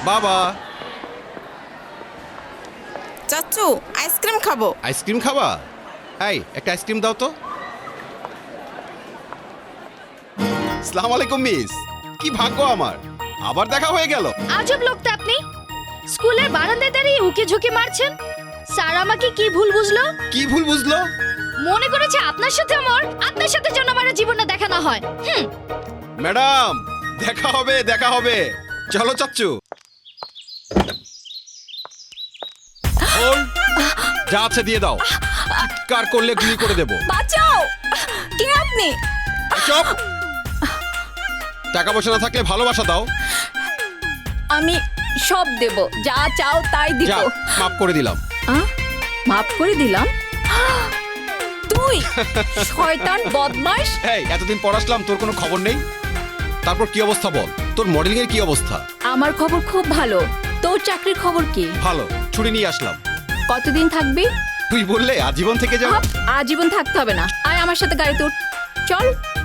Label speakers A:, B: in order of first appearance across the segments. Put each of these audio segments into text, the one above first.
A: বাবা।
B: চাচু আইসক্রিম খাবো।
A: আইসক্রিম খাবা? এই একটা আইসক্রিম দাও তো। আসসালামু আলাইকুম মিস, কি ভাগ্য আমার, আবার দেখা হয়ে গেল।
C: আজব লোক তো আপনি, স্কুলের বারান্দায় দাঁড়িয়ে উকি ঝুঁকি মারছেন। স্যার আমাকে কি ভুল বুঝলো?
A: কি ভুল বুঝলো?
C: মনে করেছে আপনার সাথে আপনার সাথে যেন আমার জীবনটা দেখা না হয়।
A: ম্যাডাম দেখা হবে, দেখা হবে, চলো চাচ্চু। বল, যা আছে দিয়ে দাও, চিৎকার করলে গুলি করে দেবো।
B: বাঁচাও! কে আপনি?
A: চুপ! টাকা পয়সা না থাকলে ভালোবাসা দাও।
B: আমি সব দেব, যা চাও তাই দিব।
A: যাও, মাফ করে দিলাম।
B: মাফ করে দিলাম? তুই শয়তান বদমাশ!
A: এই এতদিন পর আসলাম, তোর কোনো খবর নেই? তারপর কি অবস্থা বল, তোর মডেলিং এর কি অবস্থা?
B: আমার খবর খুব ভালো। তোর চাকরির খবর কি?
A: ভালো, ছুটি নিয়ে আসলাম।
B: কতদিন থাকবি?
A: তুই বললে আজীবন থেকে যাও।
B: আজীবন থাকতে হবে না, আয় আমার সাথে গাড়িতে উঠ, চল।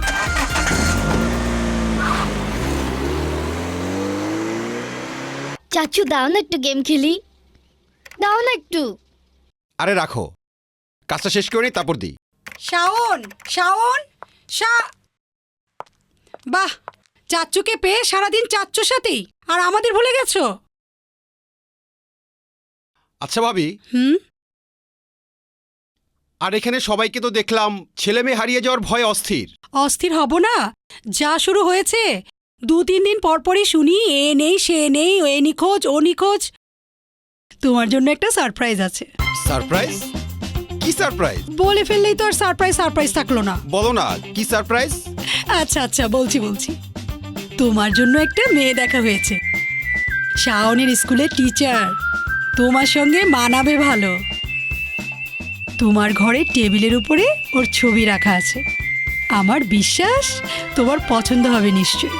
C: চাচু দাও না একটু গেম খেলি, দাও না একটু।
A: আরে রাখো, কাজটা শেষ করে নিই তারপর দিই।
D: শাওন, শাওন, বাহ, চাচ্চুকে পেয়ে সারাদিন চাচ্চুর সাথেই, আর আমাদের ভুলে গেছো?
A: আচ্ছা ভাবি,
D: হুম,
A: আর এখানে সবাইকে তো দেখলাম ছেলে মেয়ে হারিয়ে যাওয়ার ভয়ে অস্থির।
D: অস্থির হব না? যা শুরু হয়েছে, 2-3 দিন পরপরই শুনি এ নেই সে নেই, এ নিখোঁজ ও নিখোঁজ। তোমার জন্য একটা সারপ্রাইজ আছে।
A: সারপ্রাইজ? কি সারপ্রাইজ?
D: বলে ফেললেই তো আর সারপ্রাইজ সারপ্রাইজ থাকলো না।
A: বলো না, কি সারপ্রাইজ?
D: আচ্ছা আচ্ছা, বলছি। তোমার জন্য একটা মেয়ে দেখা হয়েছে, শাওনের স্কুলের টিচার, তোমার সঙ্গে মানাবে ভালো। তোমার ঘরের টেবিলের উপরে ওর ছবি রাখা আছে, আমার বিশ্বাস তোমার পছন্দ হবে নিশ্চয়ই।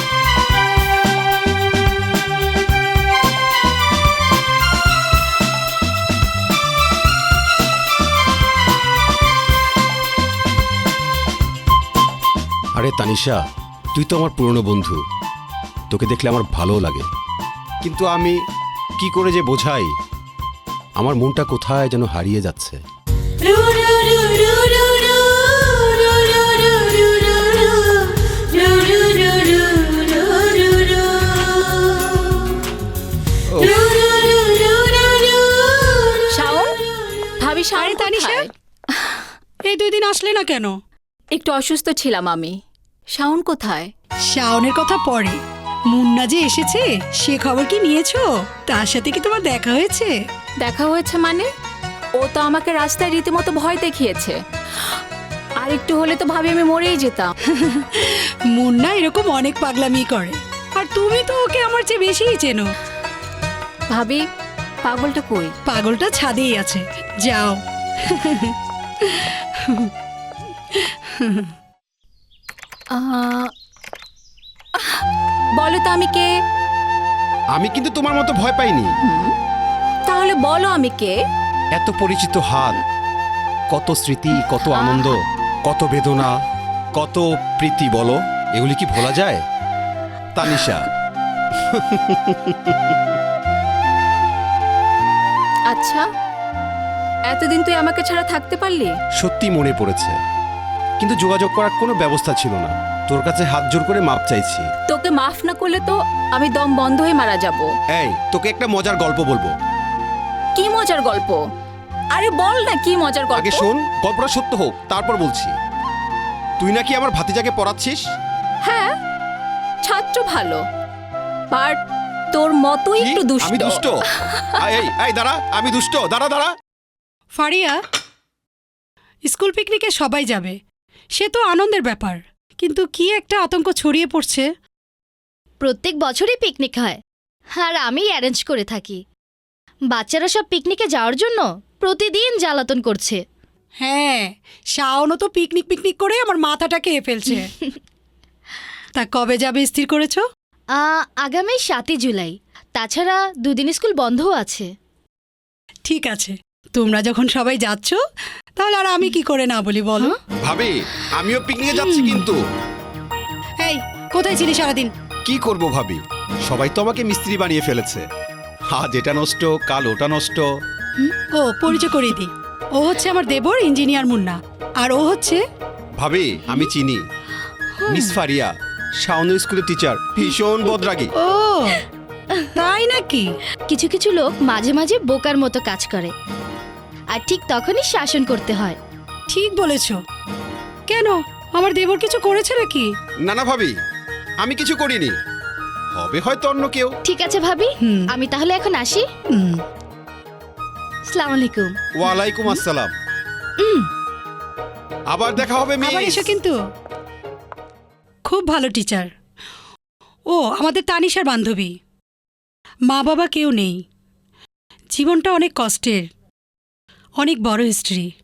A: আরে তানিশা, তুই তো আমার পুরনো বন্ধু, তোকে দেখলে আমার ভালো লাগে, কিন্তু আমি কি করে যে বোঝাই, আমার মনটা কোথায় যেন হারিয়ে যাচ্ছে।
B: শাওন, ভাবি শাওন
D: তানিশা,
B: কোথায়?
D: এই 2 দিন আসলে না কেন?
B: একটু অসুস্থ ছিলাম আমি। শাওন কোথায়?
D: শাওনের কথা পরে, মুন্না যে এসেছে সে খবর কি নিয়েছো? তার সাথে কি তোমার দেখা হয়েছে?
B: দেখা হয়েছে মানে? ও তো আমাকে রাস্তায় রীতিমতো ভয় দেখিয়েছে। আর একটু হলে তো ভাবি আমি মরেই যেতাম।
D: মুন্না এরকম অনেক পাগলামি করে, আর তুমি তো ওকে আমার চেয়ে বেশিই চেনো।
B: ভাবি, পাগলটা কই?
D: পাগলটা ছাদেই আছে, যাও।
B: বলো তো আমি কে?
A: আমি কিন্তু তোমার মতো ভয় পাইনি।
B: তাহলে বলো আমি কে?
A: এত পরিচিত হাত, কত স্মৃতি, কত আনন্দ, কত বেদনা, কত প্রীতি, বলো এগুলি কি ভোলা যায়? তানিশা।
B: আচ্ছা, এতদিন তুই আমাকে ছাড়া থাকতে পারলি?
A: সত্যি মনে পড়েছে, কিন্তু যোগাযোগ করার কোনো ব্যবস্থা ছিল না। তোর কাছে হাত জোর করে মাপ চাইছি।
B: তোকে মাফ না করলে তো আমি দম বন্ধ হয়ে মারা যাব।
A: এই, তোকে একটা মজার গল্প বলবো।
B: কি মজার গল্প? আরে বল না, কি মজার গল্প?
A: আগে শোন, গল্পটা সত্য হোক তারপর বলছি। তুই নাকি আমার ভাতিজাকে পড়াচ্ছিস?
B: হ্যাঁ, ছাত্র ভালো, বাট তোর মতোই
A: কি?
B: একটু দুষ্ট।
A: আমি দুষ্ট? এই দাঁড়া, আমি দুষ্ট? দাঁড়া।
D: ফারিয়া, স্কুল পিকনিকে সবাই যাবে, সে তো আনন্দের ব্যাপার, কিন্তু কি একটা আতঙ্ক ছড়িয়ে পড়ছে।
C: প্রত্যেক বছরই পিকনিক হয়, আর আমি অ্যারেঞ্জ করে থাকি। বাচ্চারা সব পিকনিকে যাওয়ার জন্য প্রতিদিন জ্বালাতন করছে।
D: হ্যাঁ, শাওনও তো পিকনিক করে আমার মাথাটা খেয়ে ফেলছে। তা কবে যাবে স্থির করেছো?
C: আগামী 7 জুলাই। তাছাড়া 2 দিন স্কুল বন্ধও আছে।
D: ঠিক আছে, তোমরা যখন সবাই যাচ্ছ, তাহলে আর আমি কি করে না বলি বলো?
A: ভাবি, আমিও পিকনিকে যাচ্ছি কিন্তু।
D: এই, কোথায় ছিলি সারাদিন?
A: কি করব ভাবি, সবাই তো আমাকে মিস্ত্রি বানিয়ে ফেলেছে। আজ এটা নষ্ট, কাল ওটা নষ্ট।
D: ও পরিচয় করিয়ে দিই, ও হচ্ছে আমার দেবর ইঞ্জিনিয়ার মুন্না, আর ও হচ্ছে
A: ভাবি আমি চিনি, মিস ফারিয়া, শাওনের স্কুলের টিচার, ভীষণ বদরাগী।
D: ও তাই নাকি?
C: কিছু কিছু লোক মাঝে মাঝে বোকার মতো কাজ করে, আর ঠিক তখনই শাসন করতে হয়।
D: ঠিক বলেছ। কেন, আমার দেবর কিছু করেছে নাকি?
A: না না ভাবি, আমি কিছু করিনি, হবে হয়তো অন্য কেউ।
C: ঠিক আছে ভাবি,
D: হুম।
C: আমি তাহলে এখন আসি।
D: হুম,
C: আসসালামু আলাইকুম।
A: ওয়ালাইকুম আসসালাম। আবার দেখা হবে
D: আবার
A: মিস।
D: এসো কিন্তু। খুব ভালো টিচার। ও আমাদের তানিশার বান্ধবী। মা বাবা কেউ নেই, জীবনটা অনেক কষ্টের, অনেক বড় হিস্ট্রি।